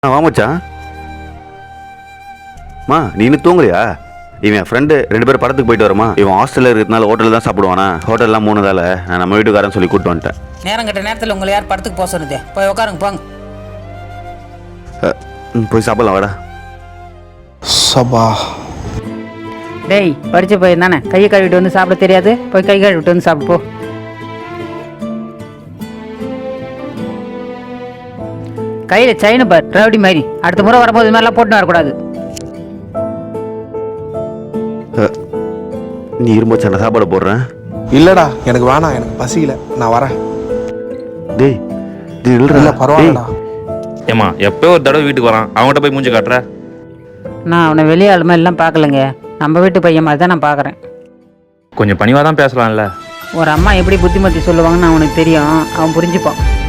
வாமச்சான். நீ இன்னும் தூங்குறியா? இவன் ஃப்ரெண்டு 2 பேரும் படத்துக்கு போயிட்டு வரமா. இவன் ஹாஸ்டலில் இருக்கிறதுனால ஹோட்டலில் தான் சாப்பிடுவானா. ஹோட்டல்லாம் 3 நாள் நான் நம்ம வீட்டுக்காரன் சொல்லி கூப்பிட்டு வந்துட்டேன். நேரம் கட்ட நேரத்தில் உங்களை யார் படத்துக்கு போக சொன்னதே? போய் உட்காருங்க போங்க. போய் சாப்பிடலாம் வாடா. சபா டேய் படிச்சு போய் தானே கையை கழுவிட்டு வந்து சாப்பிட தெரியாது? போய் கை கழுவிட்டு வந்து சாப்பிட்டு போ. கையில் செயின் பார் ரவுடி மாதிரி. அடுத்த முறை வரும்போது இது மாதிரிலாம் போட்டுன்னு வரக்கூடாது. நீ இரும்பச்சு நான் சாப்பாடு போடுறேன். இல்லடா எனக்கு வேணாம், எனக்கு பசிக்கல, நான் வரேன். டேய் இல்ல பரவாயில்லடா. ஏமா எப்போ ஒரு தடவை வீட்டுக்கு வரான், அவங்ககிட்ட போய் மூஞ்சி காட்டுற? நான் அவனை வெளியாள் மாதிரிலாம் பார்க்கலங்க. நம்ம வீட்டு பையன் மாதிரி தான் நான் பார்க்குறேன். கொஞ்சம் பணிவாக தான் பேசலாம்ல. ஒரு அம்மா எப்படி புத்திமதி சொல்லுவாங்கன்னு அவனுக்கு தெரியும். அவன் புரிஞ்சுப்பான்.